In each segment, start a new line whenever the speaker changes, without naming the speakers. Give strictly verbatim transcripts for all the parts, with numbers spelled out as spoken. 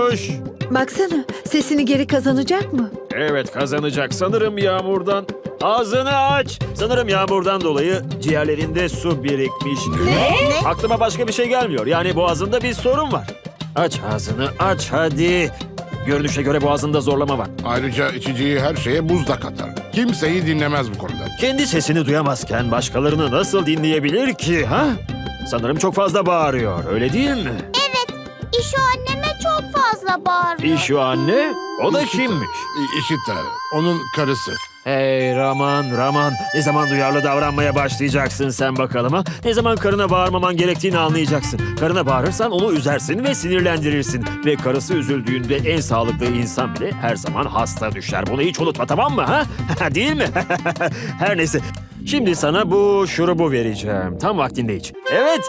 konuş.
Baksana, sesini geri kazanacak mı?
Evet, kazanacak. Sanırım yağmurdan. Ağzını aç. Sanırım yağmurdan dolayı ciğerlerinde su birikmiş.
Ne?
Aklıma başka bir şey gelmiyor. Yani boğazında bir sorun var. Aç ağzını, aç hadi. Görünüşe göre boğazında zorlama var.
Ayrıca içeceği her şeye buz da katar. Kimseyi dinlemez bu konuda.
Kendi sesini duyamazken başkalarını nasıl dinleyebilir ki, ha? Sanırım çok fazla bağırıyor, öyle değil mi?
İşo anneme çok fazla bağırıyor.
İşo anne, o da
İşita.
kimmiş?
İ- İşita, onun karısı.
Hey Raman, Raman. Ne zaman duyarlı davranmaya başlayacaksın sen bakalım ha? Ne zaman karına bağırmaman gerektiğini anlayacaksın. Karına bağırırsan onu üzersin ve sinirlendirirsin. Ve karısı üzüldüğünde en sağlıklı insan bile her zaman hasta düşer. Bunu hiç unutma, tamam mı ha? Değil mi? Her neyse. Şimdi sana bu şurubu vereceğim. Tam vaktinde iç. Evet.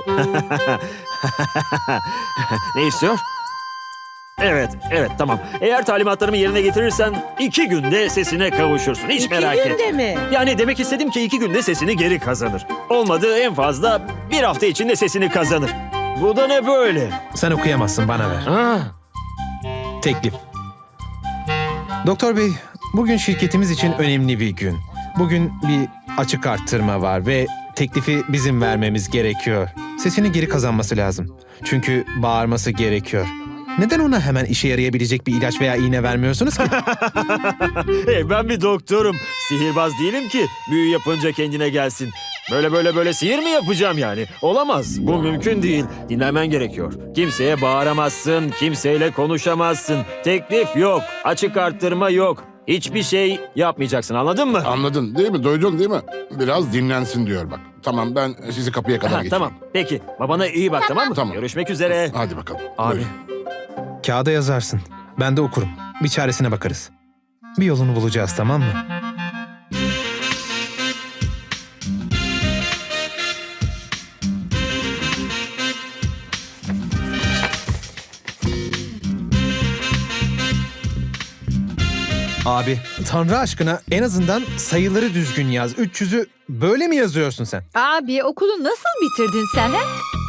Ne istiyor? Evet, evet tamam. Eğer talimatlarımı yerine getirirsen iki günde sesine kavuşursun. Hiç merak etme.
İki günde mi?
Yani demek istedim ki iki günde sesini geri kazanır. Olmadı en fazla bir hafta içinde sesini kazanır. Bu da ne böyle?
Sen okuyamazsın, bana ver.
Ha,
Teklif. Doktor bey, bugün şirketimiz için önemli bir gün. Bugün bir açık arttırma var ve teklifi bizim vermemiz gerekiyor. Sesini geri kazanması lazım. Çünkü bağırması gerekiyor. Neden ona hemen işe yarayabilecek bir ilaç veya iğne vermiyorsunuz ki?
hey, ben bir doktorum. Sihirbaz değilim ki büyü yapınca kendine gelsin. Böyle böyle böyle sihir mi yapacağım yani? Olamaz. Bu mümkün değil. Dinlemen gerekiyor. Kimseye bağıramazsın, kimseyle konuşamazsın. Teklif yok, açık arttırma yok. Hiçbir şey yapmayacaksın, anladın mı?
Anladın değil mi? Duydun değil mi? Biraz dinlensin diyor bak. Tamam, ben sizi kapıya kadar
Ha,
geçeyim.
tamam, peki. Babana iyi bak, tamam, mı?
Tamam.
Görüşmek üzere.
Hadi bakalım.
Abi,
Buyur.
kağıda yazarsın. Ben de okurum. Bir çaresine bakarız. Bir yolunu bulacağız, tamam mı? Abi, Tanrı aşkına en azından sayıları düzgün yaz. üç yüzü böyle mi yazıyorsun sen?
Abi, okulu nasıl bitirdin sen ha?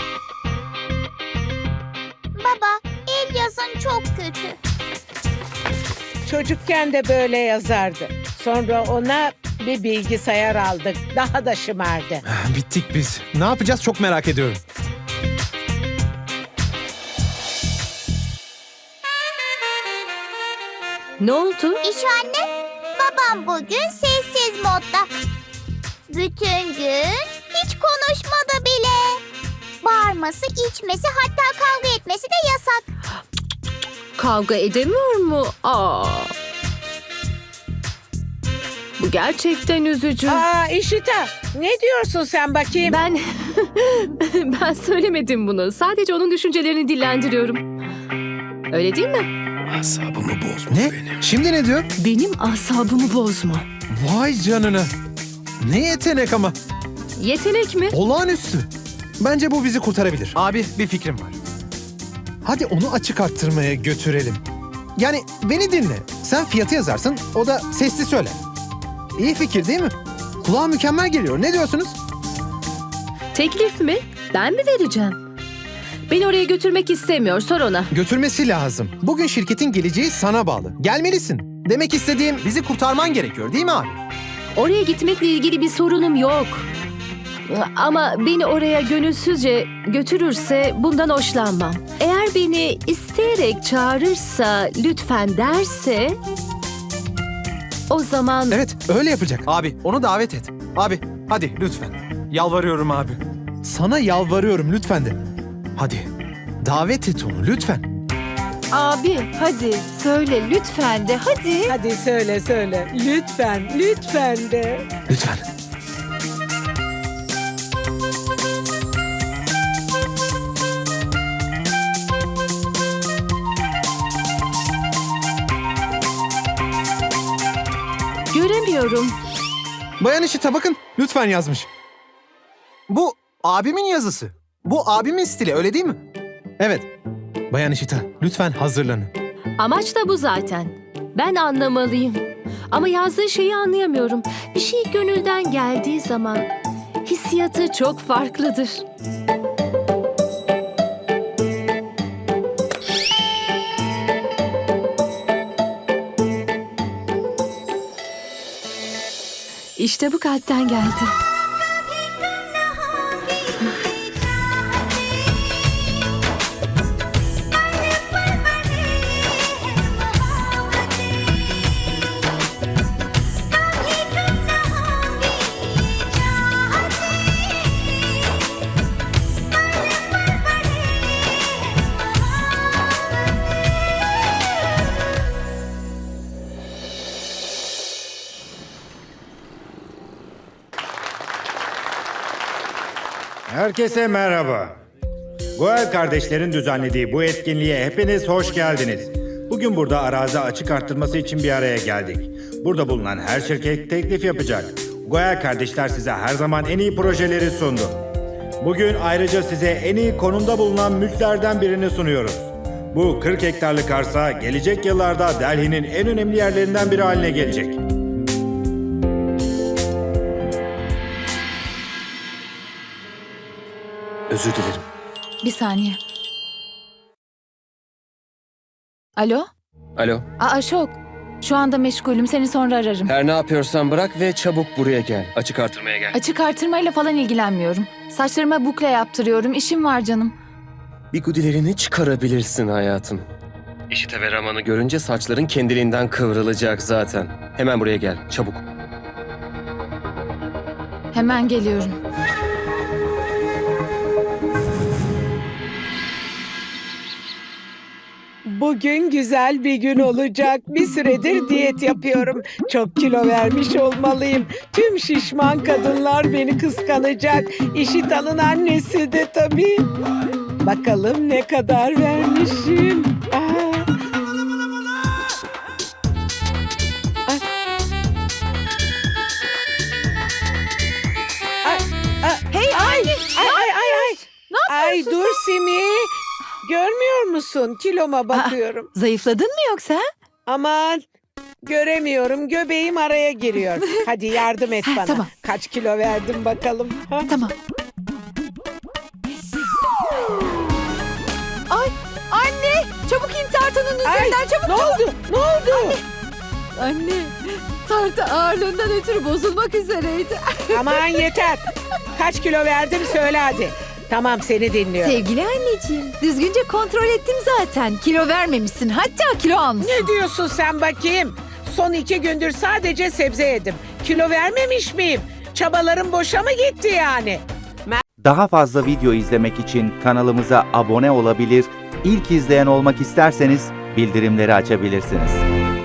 Baba, el yazın çok kötü.
Çocukken de böyle yazardı. Sonra ona bir bilgisayar aldık. Daha da şımardı.
Bittik biz. Ne yapacağız çok merak ediyorum.
Ne oldu?
İşo anne, babam bugün sessiz modda. Bütün gün hiç konuşmadı bile. Bağırması, içmesi, hatta kavga etmesi de yasak.
Kavga edemiyor mu? Aa. Bu gerçekten üzücü.
Aa İşita, ne diyorsun sen bakayım?
Ben ben söylemedim bunu. Sadece onun düşüncelerini dillendiriyorum. Öyle değil mi?
Asabımı bozma ne? Şimdi ne diyor?
Benim asabımı bozma.
Vay canına. Ne yetenek ama.
Yetenek mi?
Olağanüstü. Bence bu bizi kurtarabilir. Abi bir fikrim var. Hadi onu açık arttırmaya götürelim. Yani beni dinle. Sen fiyatı yazarsın, o da sesli söyler. İyi fikir değil mi? Kulağa mükemmel geliyor. Ne diyorsunuz?
Teklif mi? Ben mi vereceğim? Beni oraya götürmek istemiyor. Sor ona.
Götürmesi lazım. Bugün şirketin geleceği sana bağlı. Gelmelisin. Demek istediğim bizi kurtarman gerekiyor değil mi abi?
Oraya gitmekle ilgili bir sorunum yok. Ama beni oraya gönülsüzce götürürse bundan hoşlanmam. Eğer beni isteyerek çağırırsa, lütfen derse... O zaman...
Evet, öyle yapacak. Abi, onu davet et. Abi, hadi lütfen. Yalvarıyorum abi. Sana yalvarıyorum lütfen de. Hadi, davet et onu lütfen.
Abi, hadi söyle lütfen de, hadi.
Hadi söyle söyle. Lütfen, lütfen de.
Lütfen.
Göremiyorum.
Bayan Işita bakın, lütfen yazmış. Bu abimin yazısı. Bu abimin stili, öyle değil mi? Evet. Bayan Işita, lütfen hazırlanın.
Amaç da bu zaten. Ben anlamalıyım. Ama yazdığı şeyi anlayamıyorum. Bir şey gönülden geldiği zaman hissiyatı çok farklıdır.
İşte bu kalpten geldi.
Herkese merhaba. Goel kardeşlerin düzenlediği bu etkinliğe hepiniz hoş geldiniz. Bugün burada arazi açık arttırması için bir araya geldik. Burada bulunan her şirket teklif yapacak. Goel kardeşler size her zaman en iyi projeleri sundu. Bugün ayrıca size en iyi konumda bulunan mülklerden birini sunuyoruz. Bu kırk hektarlık arsa gelecek yıllarda Delhi'nin en önemli yerlerinden biri haline gelecek.
Özür dilerim.
Bir saniye. Alo?
Alo.
Aa, Aşok. Şu anda meşgulüm. Seni sonra ararım.
Her ne yapıyorsan bırak ve çabuk buraya gel. Açık artırmaya gel.
Açık artırmayla falan ilgilenmiyorum. Saçlarıma bukle yaptırıyorum. İşim var canım.
Bigudilerini çıkarabilirsin hayatım. İşite ve Raman'ı görünce saçların kendiliğinden kıvrılacak zaten. Hemen buraya gel. Çabuk.
Hemen geliyorum.
Bugün güzel bir gün olacak. Bir süredir diyet yapıyorum. Çok kilo vermiş olmalıyım. Tüm şişman kadınlar beni kıskanacak. İşitan'ın annesi de tabii. Bakalım ne kadar vermişim. Aa. Ay. Ay, ay,
Hey
ay,
anne!
ay, ay, ay, ay.
Ne
Ay
yapıyorsun
dur Simi. Görmüyor musun? Kiloma bakıyorum.
Zayıfladın mı yoksa?
Aman göremiyorum. Göbeğim araya giriyor. Hadi yardım et
Ha,
bana.
tamam.
Kaç kilo verdim bakalım. Ha?
Tamam. Ay anne! Çabuk in tartının
Ay,
üzerinden çabuk!
ne oldu? Ne oldu?
Anne! Tartı ağırlığından ötürü bozulmak üzereydi.
Aman yeter. Kaç kilo verdim söyle hadi. Tamam seni dinliyorum.
Sevgili anneciğim, düzgünce kontrol ettim zaten. Kilo vermemişsin, hatta kilo almışsın.
Ne diyorsun sen bakayım? Son iki gündür sadece sebze yedim. Kilo vermemiş miyim? Çabalarım boşa mı gitti yani?
Daha fazla video izlemek için kanalımıza abone olabilir, ilk izleyen olmak isterseniz bildirimleri açabilirsiniz.